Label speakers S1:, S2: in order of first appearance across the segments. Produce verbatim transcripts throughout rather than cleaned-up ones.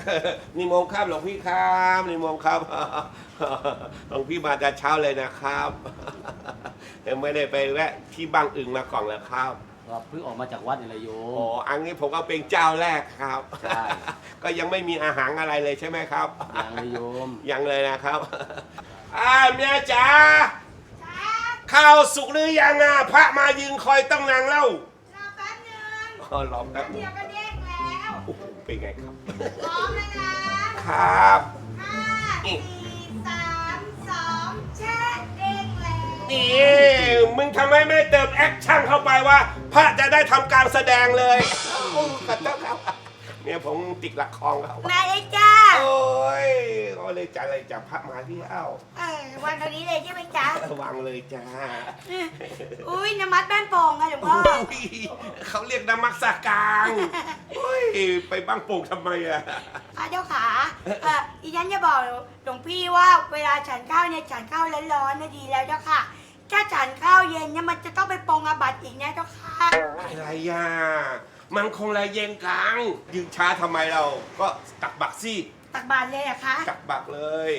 S1: นิมนต์ครับหลวงพี่ครับนิมนต์ครับหลวงพี่มาแต่เช้าเลยนะครับยังไม่ได้ไปแวะที่บางอึงมาก่อนเลยครับ
S2: ก็เพิ่งออกมาจากวัดนี่แหละโยม
S1: อ๋ออันนี้ผมก็เป็นเจ้าแรกครับ
S2: ใช่
S1: ก็ยังไม่มีอาหารอะไรเลยใช่ไหมครับ
S2: ยังเลยโยม
S1: ยังเลยนะครับอ่าเมียจ๋าข้าวสุกหรือยังอ่ะพระมายืนคอยต้องนางเล่ารอ
S3: แป๊บนึง
S1: อ๋อรอแป๊บ
S3: เดี๋ยวก็เด้งแล้ว
S1: เป็นไงครับ
S3: พร้อมแล้วนะครับห้าสี่สามสองแช่เด้งแล้ว
S1: นี่มึงทำไมไม่เติมแอคชั่นเข้าไปว่าพระจะได้ทำการแสดงเลยโอ้ขอโทษครับเนี่ยผมติดละครเขา
S3: มาเลยจ้า
S1: โอ้ยก็เลยจะอะไรจะพระมาที่เอ้า
S3: เออวันตอนนี้เลยใช่ไหมจ๊ะ
S1: วางเลยจ้า
S3: อุ้ยน้ำมัดแป้นโป่งค่ะหลวงพ่อ
S1: เขาเรียกน้ำมักสากางเฮ้ยไปบ้างโป่งทำไมอะ
S3: พระเจ้าขาเออดิฉันจะบอกหลวงพี่ว่าเวลาฉันข้าวเนี่ยฉันข้าวร้อนๆนะดีแล้วเจ้าค่ะถ้าฉันข้าวเย็นเนี่ยมันจะต้องไปปองอาบัติอีกนะเจ้าค่ะ
S1: อะไรอ่ะมันคงไรเย็นกลางยืนช้าทำไมเราก็ตักบักสิ
S3: ตักบาตรเลยอะคะ
S1: ตักบักเลย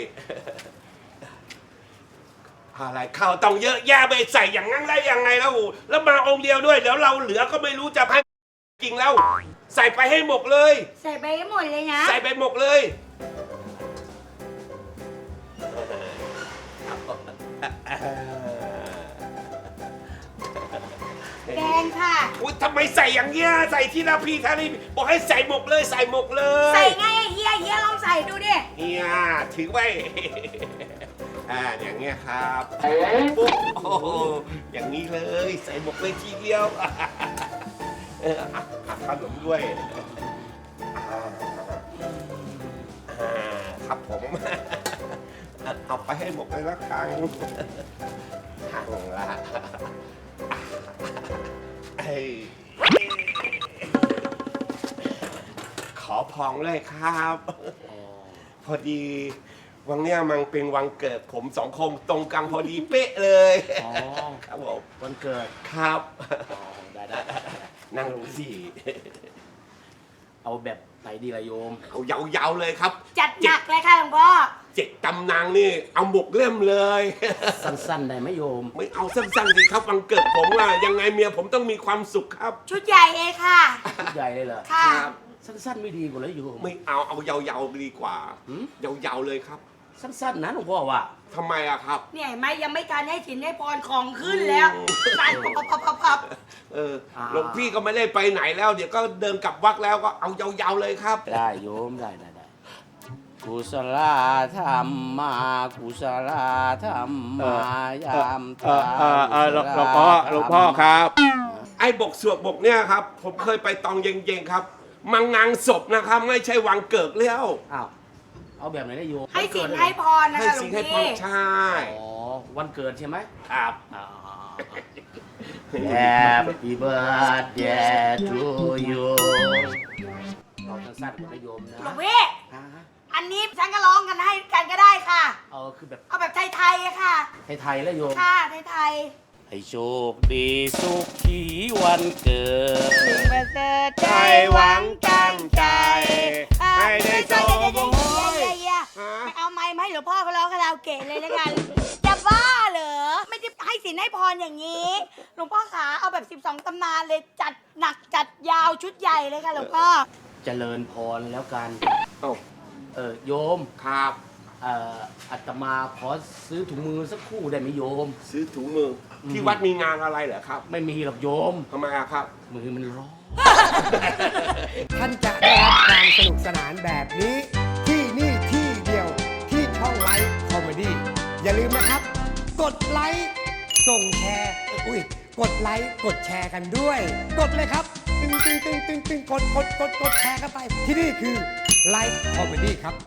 S1: อะไรข้าวต้องเยอะแยะไปใส่อย่างงั้นได้ยังไงแล้วแล้วมาองค์เดียวด้วยเดี๋ยวเราเหลือก็ไม่รู้จะให้จริงแล้วใส่ไปให้หมดเลย
S3: ใส่ไปให้หมดเลยนะ
S1: ใส่ไปหมดเลย
S3: แกงค่ะ
S1: อุ้ยทำไมใส่อย่างเงี้ยใส่ที่ละพี่ท่านี่บอกให้ใส่หมกเลยใส่หมกเลย
S3: ใส่ไงเฮียเฮียลองใส่ดูดิ
S1: เฮียถือไว้อ่าอย่างเงี้ยครับปุ๊บโอ้อย่างนี้เลยใส่หมกเลยทีเดียวเออหักขนมด้วยครับผมเอาไปให้หมกเลยละกันหักละขอพองเลยครับพอดีวันเนี้ยมันเป็นวันเกิดผมสองคนตรงกันพอดีเป๊ะเลย
S2: อ๋อ
S1: ครับผม
S2: วันเกิด
S1: ครับ
S2: ได้ได้
S1: นั่งลงสิ
S2: เอาแบบไหนดีล่ะโยม
S1: เอายาวๆเลยครับ
S3: จัดหนักเลยค่ะหลวงพ่อ
S1: เจ็ดตำนางนี่เอาหมกเล่มเลย
S2: สั้นๆได้ไหมโยม
S1: ไม่เอาสั้นๆสิครับวันเกิดผมอะยังไงเมียผมต้องมีความสุขครับ
S3: ชุดใหญ่เลยค่ะ
S2: ชุดใหญ่เลยเหรอ
S3: ค่ะ
S2: สั้นๆไม่ดีกว่าเลยโยม
S1: ไม่เอาเอายาวๆดีกว่ายาวๆเลยครับ
S2: สั้นๆนะหลวงพ่อว่า
S1: ทำไมอะครับ
S3: เนี่ยไม่ยังไม่การให้สินให้พรของขึ้นแล้วสั่นปับปับปับปับ
S1: เออหลวงพี่ก็ไม่ได้ไปไหนแล้วเดี๋ยวก็เดินกลับวัดแล้วก็เอายาวๆเลยครับ
S2: ได้โยมได้ได้ได้กุศลธรรมมากุศลธรรมมายามตา
S1: หลวงพ่อหลวงพ่อครับไอ้บกสวดบกเนี่ยครับผมเคยไปตองเย็งๆครับมังงานศพนะครับไม่ใช่วังเกิดแล้ว
S2: อ้าวเอาแบบไหนได้โยม
S3: ให้สินให้พรนะคะหลวงพี่
S1: ใช่
S2: อ๋อวันเกิดใช่ไหม
S1: ครับ
S2: Happy birthday to you เราสั้นๆกับโยมนะ
S3: หลวงพี่อันนี้ฉันก็ร้องกันให้กันก็ได้ค่ะ
S2: เอาคือแบบ
S3: เอาแบบไทยๆอะค่ะ
S2: ไทยๆแล้วโยม
S3: ค่ะไทย
S2: ๆให้โชคดีสุขีวันเกิด
S3: สิ่งประเสริฐใจ
S1: หวังตั้งใจให้ได้โชค
S3: ไม่เอาไม้ไหมหลวงพ่อเขาร้องคาราโอเกะเลยแล้วกันจะบ้าเหรอไม่ได้ให้สินให้พรอย่างนี้หลวงพ่อขาเอาแบบสิบสองตำนานเลยจัดหนักจัดยาวชุดใหญ่เลยค่ะหลวงพ่อ
S2: เจริญพรแล้วกันเออโยม
S1: ครับ
S2: เอ่ออาตมาขอซื้อถุงมือสักคู่ได้ไหมโยม
S1: ซื้อถุงมือที่วัดมีงานอะไรเหรอครับ
S2: ไม่มีหรอกโยม
S1: ทำไมครับ
S2: มือมันร้อน
S4: ท่านจะได้รับความสนุกสนานแบบนี้ที่นี่ที่เดียวที่ช่องไลฟ์คอมเมดี้อย่าลืมนะครับกดไลค์ส่งแชร์อุ้ยกดไลค์กดแชร์กันด้วยกดเลยครับตึงตึงตึงตึงตึงกดกดกดกดแชร์กันไปที่นี่คือไลฟ์คอมเมดี้ครับ